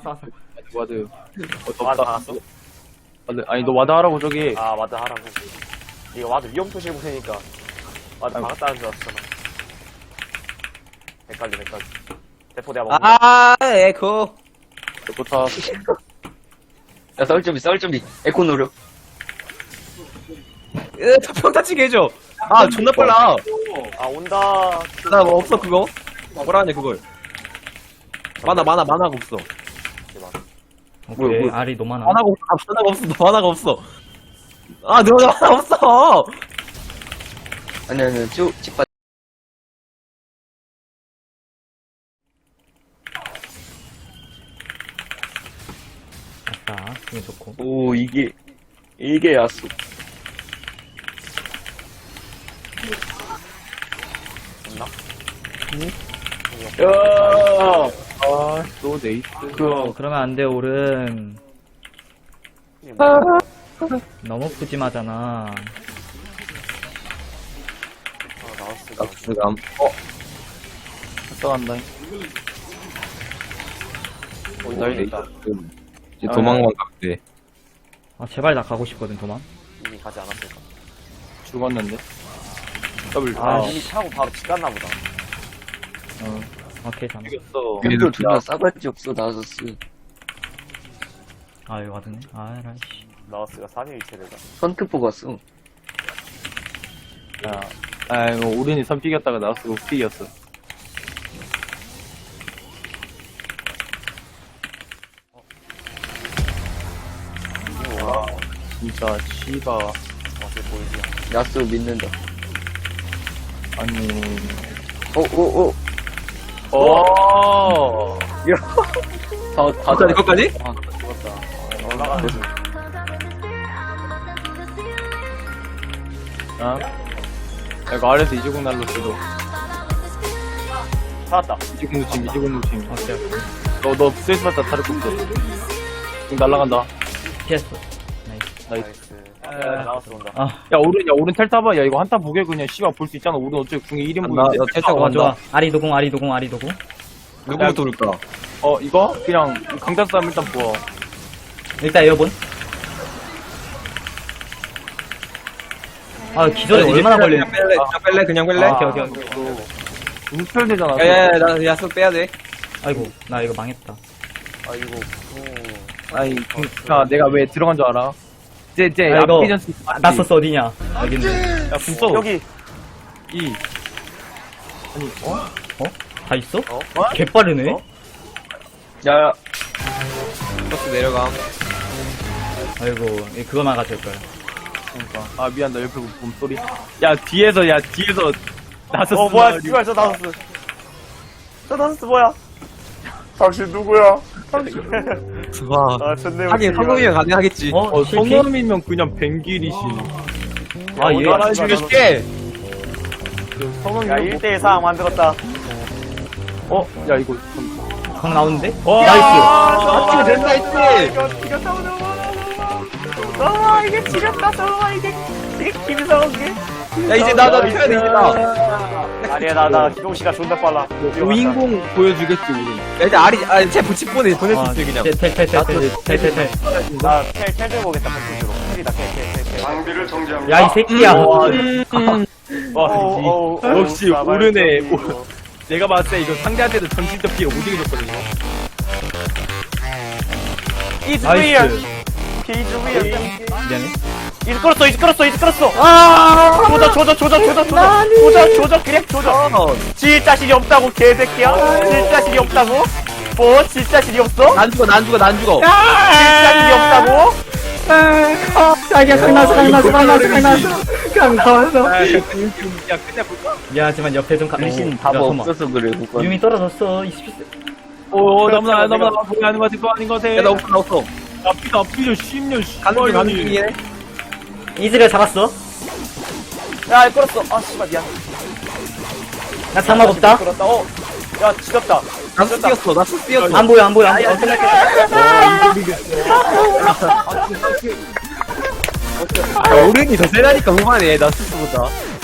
와드. 와드 박았어? 와드. 아니, 너 와드 하라고, 저기. 아, 와드 하라고. 이거 와드 위험 표시 보니까 와드 아이고. 박았다는 줄 알았잖아. 헷갈려. 대포 내가 먹는 에코. 좋다. 야, 싸울 준비. 에코 노력. 평 다치게 해줘. 아, 존나 빨라. 아, 온다. 나 뭐 없어, 그거? 뭐라 하냐, 그걸. 만화가 없어. 대박. 오케이, 뭐야. 알이 너무 많아. 만화가 없어. 아, 너 만화 없어. 아니, 집 아싸, 기분 좋고. 오, 이게 야수. 됐나? 야, 아, 또 네이스. 그러면 안 돼, 오른. 너무 푸짐하잖아. 나왔어. 낙수감. 갔다 간다. 날 있다. 이제 도망만 가면 돼. 아, 제발 나 가고 싶거든, 도망. 이미 가지 않았을까? 죽었는데. 더블. 아, 이미 타고 바로 집 갔나 보다. 오케이, 잠깐. 죽였어. 팬들 존나 싸가지 없어, 나서스. 아, 이거 와드네. 아, 라이씨. 나왔스가 3일 체대다. 선크포 갔어. 야, 아이고, 우린이 선 삐겼다가 나왔어. 삐겼어. 와, 진짜, 씨바. 맛을 보이지. 야수 믿는다. 아니. 오. 어. 다 이거까지? 죽었다. 올라가는 중. 어? 야, 이거 아래서 이주공 날로 지도. 살았다. 이주공 놓침. 오케이, 오케이. 너 스트레스 받다 다를 거 없어. 지금 날라간다. 피했어. 나이스. 나이스. 나이스. 나왔어 온다. 아, 야, 오른 텔 타봐. 야, 이거 한타 보게 그냥 씨발 볼 수 있잖아. 오른 어차피 궁이 1인분인데. 텔 타고 좋아, 간다. 좋아. 아리도공. 누구부터 올까? 이거? 그냥 강단 싸움 일단 부어. 일단 에어본. 아, 기절이 얼마나 걸리냐. 그냥 뺄래? 아, 오케이. 우스펠 되잖아. 나 야수 빼야 돼. 아이고, 나 이거 망했다. 아이고. 아니, 자, 내가 왜 들어간 줄 알아? 이제 아, 이거, 아피전스. 나서스 어디냐? 알겠네. 야, 군서. 여기. 이. 아니, 다 있어? 어? 개빠르네? 어? 야, 버스 내려가. 아이고, 그거만 가질 거야. 그러니까. 아, 미안, 나 옆에 몸소리. 야, 뒤에서 나섰어. 뭐야, 씨발, 저 나왔어. 저 나왔어, 뭐야? 당신 누구야? 당신. 와. 아, 존내 하긴 성공이면 가능하겠지. 실패? 성남이면 그냥 뱅길이시. 아, 얘. 얼마나 죽여줄게. 성남이. 야, 1대1 상황 만들었다. 야, 이거. 강 나오는데? 나이스. 아, 된다 했지. 이거 지겼다, 너무 이게 지렸다, 너무 이게 김성욱이. 야, 이제 나 펴야 돼, 이제 나. 아니야, 나 기동시가 존나 빨라. 우인공 보여주겠지, 우린. 야, 이제 쟤 보낼 수 있어, 그냥. 텔. 나 텔 들어보겠다, 컨텐츠로. 텔이다, 텔. 야, 이 새끼야. 역시 오르네. 내가 봤을 때 이거 상대한테도 전진적 피해 오지게 줬거든요. It's 나이스. real. It's real. 미안해. 이제 끌었어. 조져. 그래, 조져. 질 자신이 없다고, 개새끼야. 질 자신이 없다고? 뭐, 질 자신이 없어? 난 죽어. 질 자신이 없다고? 자기야, 강 나왔어. 야, 끝내볼까? 미안하지만 옆에 좀 가. 리신 야, 답 잠깐만. 없어서 그래, 그건. 유미 떨어졌어. 27세. 너무나 보기 하는 거 같아, 아닌 거 같아. 야, 나 없어. 앞이다, 10년, 가는 중이네. 이즈를 잡았어. 야, 끌었어. 아, 씨발, 미안. 나 장막 없다. 끌었다. 야, 지렸다. 나스 뛰었어. 안 보여. 오른이 더 세다니까, 후반에. 나스보다.